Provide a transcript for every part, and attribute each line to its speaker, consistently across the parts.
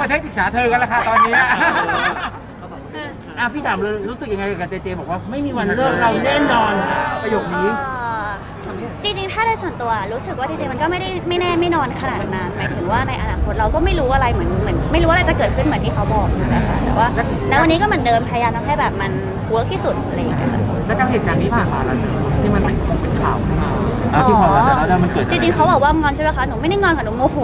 Speaker 1: ประเทศอิจฉาเธอกันละค่ะตอนนี้
Speaker 2: พี่ถามเลยรู้สึกยังไงกับเจเจบอกว่าไม่มีวันเลิกเราแน่นอนประโยคนี้
Speaker 3: จริงๆถ้าในส่วนตัวรู้สึกว่าจริงๆมันก็ไม่แน่ไม่นอนขนาดนั้นหมายถึงว่าในอนาคตเราก็ไม่รู้อะไรเหมือนไม่รู้อะไรจะเกิดขึ้นเหมือนที่เขาบอกนะคะแต่ว่าณวันนี้ก็เหมือนเดิมพยายามทำให้แบบมันเวิร์กที่สุดอะไรอย่างเงี้ย
Speaker 2: แล้วกับเหตุการณ์นี้ผ่านมาแล้วที่มันเป็นข่าวขึ้นมาที่พอแล้วมันเกิด
Speaker 3: จริงๆเขาบอกว่างอนใช่ไหมคะหนูไม่ได้งอนค่ะหนูโมโห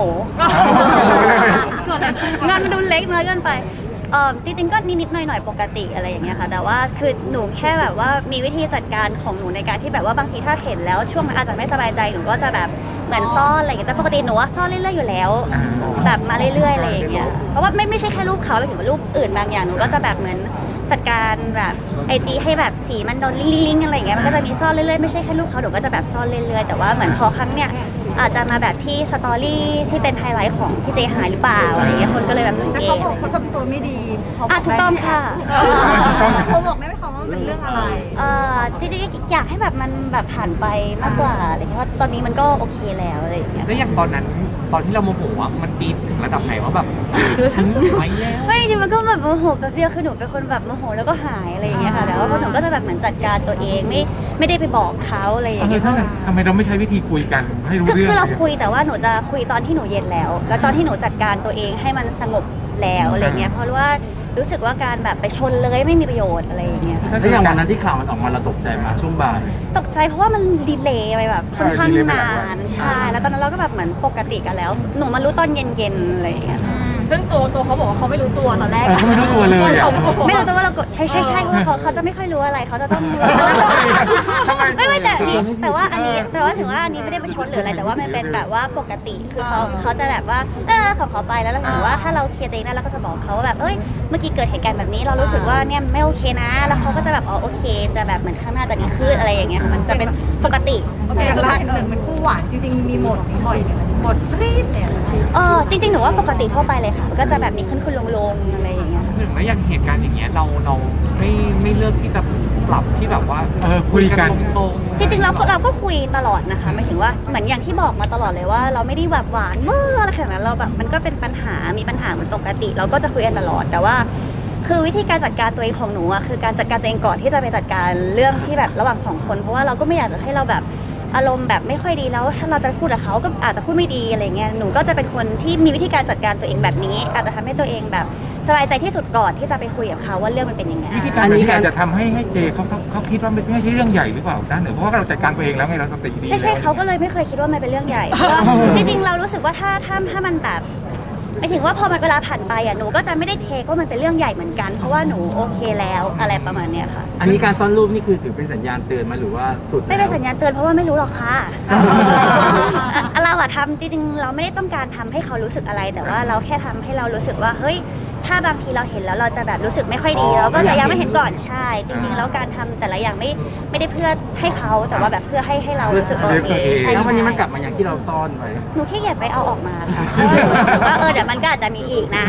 Speaker 3: งอนมันดูเล็กน้อยเกินไปจริงๆก็นิดๆหน่อยๆปกติอะไรอย่างเงี้ยค่ะแต่ว่าคือหนูแค่แบบว่ามีวิธีจัดการของหนูในการที่แบบว่าบางทีถ้าเห็นแล้วช่วงนั้นอาจจะไม่สบายใจหนูก็จะแบบเหมือนซ่อนอะไรอย่างเงี้ยแต่ปกติหนูว่าซ่อนเรื่อยๆอยู่แล้วแบบมาเรื่อยๆอะไรอย่างเงี้ยเพราะว่าไม่ใช่แค่รูปเขาไปถึงรูปอื่นบางอย่างหนูก็จะแบบเหมือนจัดการแบบIGให้แบบสีมันโดนลิงก์อะไรอย่างเงี้ยมันก็จะมีซ่อนเรื่อยๆไม่ใช่แค่รูปเขาหนูก็จะแบบซ่อนเรื่อยๆแต่ว่าเหมือนพอครั้งเนี้ยอาจจะมาแบบที่สตอรี่ที่เป็นไฮไลท์ของพี่เจหายหรือเปล่าอะไรอย่างเงี้ยคนก็เลยแบบสัง
Speaker 4: แต่
Speaker 3: เก
Speaker 4: เขา
Speaker 3: ต
Speaker 4: บอกเขาทำตัวไม่ดี
Speaker 3: ถูกต้องค่ะ
Speaker 4: เขาบอกได้ไหมคะว่ามันเป็นเรื่องอะไร
Speaker 3: จริงๆอยากให้แบบมันแบบผ่านไปมากกว่าอะไรเงี้ยเพราะตอนนี้มันก็โอเคแล้วอะไรอย่างเงี้ย
Speaker 2: แล้วอย่างตอนนั้นตอนที่เราโมโหอ่ะมันปีถึงระดับไหนว่าแบบฉันไม่แล้ว
Speaker 3: ไม่จริงๆมันก็แบบโมโหแบบเดียวคือหนูเป็นคนแบบโมโหแล้วก็หายอะไรอย่างเงี้ยค่ะแต่ว่าหนูก็จะแบบเหมือนจัดการตัวเองไม่ได้ไปบอกเขาอะไรอย่างเงี้ย
Speaker 1: ทำไมเราไม่ใช้วิธีคุยกันให้รู้เรื่อง
Speaker 3: คือเราคุยแต่ว่าหนูจะคุยตอนที่หนูเย็นแล้วแล้วตอนที่หนูจัดการตัวเองให้มันสงบแล้วอะไรเงี้ยเพราะว่ารู้สึกว่าการแบบไปชนเลยไม่มีประโยชน์อะไรอย่างเงี้ย
Speaker 2: แล้วอย่างวันนั้นที่ข่าวมันออกมาเราตกใจมาช่วงบ่าย
Speaker 3: ตกใจเพราะว่ามันดีเลย์ไปแบบค่อนข้างนานใช่แล้วตอนนั้นเราก็แบบเหมือนปกติกันแล้วหนูมารู้ตอนเย็นๆอะไรอย่างเงี้ย
Speaker 4: ซึ่งตัวเขาบอกว่าเขาไม่รู้ตัวตอนแรก
Speaker 1: เขาไม่รู้ตัวเลย
Speaker 3: ไม่รู้ตัวว่าเรากดใช่เพราะเขาจะไม่ค่อยรู้อะไรเขาจะต้องไม่แต่ว่าอันนี้แต่ว่าถึงว่าอันนี้ไม่ได้ประชดหรืออะไรแต่ว่ามันเป็นแบบว่าปกติคือเขาจะแบบว่าของเขาไปแล้วเราถือว่าถ้าเราเคลียร์ตัวเองได้เราก็จะบอกเขาว่าแบบเอ้ยเมื่อกี้เกิดเหตุการณ์แบบนี้เรารู้สึกว่าเนี่ยไม่โอเคนะแล้วเขาก็จะแบบอ๋อโอเคจะแบบเหมือนข้างหน้าจะดีขึ้นอะไรอย่างเงี้ยมันจะเป็นปกติ
Speaker 4: อย่างเราหนึ่งเป็นคู่หวานจริงๆมีโหมดนี้บ่อยไหมโหมดปรี๊ดเนี่ย
Speaker 3: จริงๆหนูว่าปกติทั่วไปเลยค่ะก็จะแบบมีขึ้นลงอะไรอย่างเงี้ย
Speaker 2: หนึ่งแล้วอย่างเหตุการณ์อย่างเงี้ยเราไม่เลือกที่จะปรับที่แบบว่า
Speaker 1: คุยกัน
Speaker 2: ตรง
Speaker 3: จริงๆเราก็คุยตลอดนะคะหมายถึงว่าเหมือนอย่างที่บอกมาตลอดเลยว่าเราไม่ได้แบบหวานเมื่ออะไรขนาดนั้นเราแบบมันก็เป็นปัญหามีปัญหาเหมือนปกติเราก็จะคุยกันตลอดแต่ว่าคือวิธีการจัดการตัวเองของหนูอะคือการจัดการตัวเองก่อนที่จะไปจัดการเรื่องที่แบบระหว่างสองคนเพราะว่าเราก็ไม่อยากจะให้เราแบบอารมณ์แบบไม่ค่อยดีแล้วถ้าเราจะพูดกับเขาก็อาจจะพูดไม่ดีอะไรเงี้ยหนูก็จะเป็นคนที่มีวิธีการจัดการตัวเองแบบนี้อาจจะทำให้ตัวเองแบบสบายใจที่สุดก่อนที่จะไปคุยกับเขาว่าเรื่องมันเป็นยังไง
Speaker 1: วิธีการนี้อาจจะทำให้เจเขาคิดว่าไม่ใช่เรื่องใหญ่หรือเปล่าด้านหนึ่งเพราะว่าเราจัดการตัวเองแล้วไงเราสติดี
Speaker 3: ใช่เขาก็เลยไม่เคยคิดว่ามันเป็นเรื่องใหญ่เพราะว่าจริงๆเรารู้สึกว่าถ้ามันแบบหมายถึงว่าพอมันเวลาผ่านไปอ่ะหนูก็จะไม่ได้เทคว่ามันเป็นเรื่องใหญ่เหมือนกันเพราะว่าหนูโอเคแล้วอะไรประมาณเนี้ยค่ะ
Speaker 2: อันนี้การซ่อนรูปนี่คือถือเป็นสัญญาณเตือนมาหรือว่าสุด
Speaker 3: ไม่เป็นสัญญาณเตือนเพราะว่าไม่รู้หรอกค่ะเราอะทำจริงๆเราไม่ได้ต้องการทำให้เขารู้สึกอะไรแต่ว่าเราแค่ทำให้เรารู้สึกว่าเฮ้ยถ้าบางทีเราเห็นแล้วเราจะแบบรู้สึกไม่ค่อยดีเราก็จะยังไม่เห็นก่อนใช่จริงๆแล้วการทำแต่ละอย่างไม่ได้เพื่อให้เขาแต่ว่าแบบเพื่อให้เรารู้สึกโอเคใช่
Speaker 2: แล้ววันนี้มันกลับมาอย่างที่เราซ่อนไว้
Speaker 3: หนูขี้เกียจไปเอาออกมาค่ะเพราะว่าหนูรู้สึกว่าเดี๋ยวมันก็อาจจะมีอีกนะ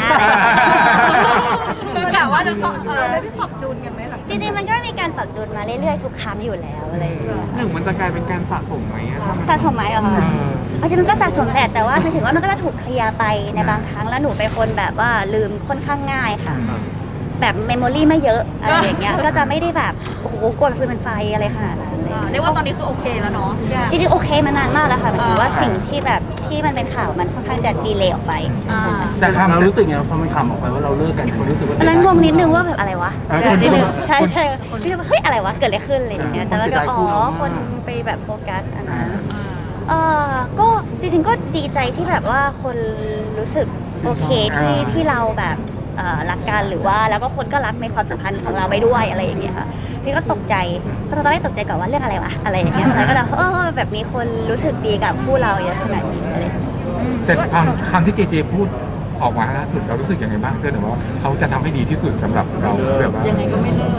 Speaker 4: คือแบบว่าได้ปรับจูนกันไหมหลัง
Speaker 3: จริงๆมันก็มีการปรับจูนมาเรื่อยๆทุกครั้งอยู่แล้วอะไรอย่างเงี้ย
Speaker 2: หนึ่งมันจะกลายเป็นการสะสมไหม
Speaker 3: สะสมไหมเหรอคะจริงมันก็สะสมแหละแต่ว่าหมายถึงว่ามันก็จะถูกเคลียร์ไปในบางครั้งแล้วหนูเป็นคนแบบว่าลืมค่อนข้างง่ายค่ะแบบเมมโมรี่ไม่เยอะอะไรอย่างเงี้ยก็จะไม่ได้แบบโอ้โหกดฟืนเป็นไฟอะไรขนาดนั้นเลย
Speaker 4: เรียกว่าตอนนี้คือโอเคแล้วเนาะ
Speaker 3: จริงๆโอเคมานานมากแล้วค่ะหมายถึงว่าสิ่งที่แบบที่มันเป็นข่าวมันค่อนข้างจะดีเลย์ออกไป
Speaker 2: แต่เรารู้สึกไงพอมันข่าวออกไปว่าเราเลิกกันคนรู้สึกว่า
Speaker 3: ตอนนั้นงงนิดนึงว่าแบบอะไรวะนิดนึงใช่พี่ว่าเฮ้ยอะไรวะเกิดอะไรขึ้นอะไรอย่างเงี้ยแต่ว่าก็คนไปแบบโฟกัสอันนั้นก็จริงๆก็ดีใจที่แบบว่าคนรู้สึกโอเคที่เราแบบรักกันหรือว่าแล้วก็คนก็รักในความสัมพันธ์ของเราไปด้วยอะไรอย่างเงี้ยค่ะพี่ก็ตกใจเพราะตอนแรกตกใจก่อนว่าเรื่องอะไรวะอะไรอย่างเงี้ยแล้วก็แบบแบบมีคนรู้สึกดีกับคู่เราเยอะขนาดนี้อะไร
Speaker 1: แต่คำที่เจพูดออกมาล่าสุดเรารู้สึกยังไงบ้างเพื่อนหรือว่าเขาจะทำให้ดีที่สุดสำหรับเราแบบว่า
Speaker 4: ยังไงก็ไม่เลิก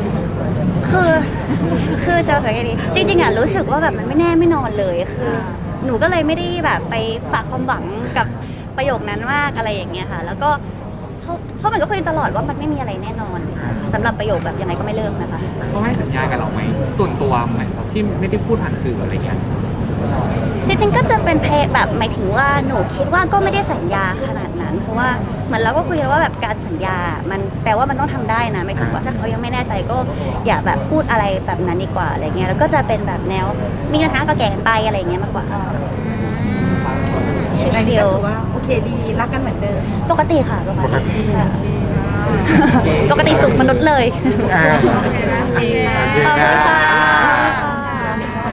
Speaker 3: คือจะแบบยังไงดีจริงๆรู้สึกว่าแบบมันไม่แน่ไม่นอนเลยคือหนูก็เลยไม่ได้แบบไปฝากความหวังกับประโยคนั้นมากอะไรอย่างเงี้ยค่ะแล้วก็เพราะมันก็คุยตลอดว่ามันไม่มีอะไรแน่นอนสำหรับประโยคแบบยังไงก็ไม่เลิกนะคะ
Speaker 2: เขาให้สัญญากับเราไหมส่วนตัวไหมที่ไม่ได้พูดผ่านสื่ออะไรเงี้ย
Speaker 3: จริงๆก็จะเป็นเพลงแบบหมายถึงว่าหนูคิดว่าก็ไม่ได้สัญญาขนาดนั้นเพราะว่าเหมือนเราก็คุยกันว่าแบบการสัญญา มันแปลว่ามันต้องทำได้นะหมายถึงว่าถ้าเขายังไม่แน่ใจก็อย่าแบบพูดอะไรแบบนั้นดีกว่าอะไรเงี้ยแล้วก็จะเป็นแบบแนวมีปัญหาก็แก่กันไปอะไรเงี้ยมากกว่าชิ
Speaker 4: อันนี้
Speaker 3: ล
Speaker 4: ก็ถือว่าโอเคดีรักกันเหมือนเดิม
Speaker 3: ๆปกติค่ะปกติค่ะปกติสุขมนุษย์เลย
Speaker 1: โอเค
Speaker 3: ขอบคุณค่ะ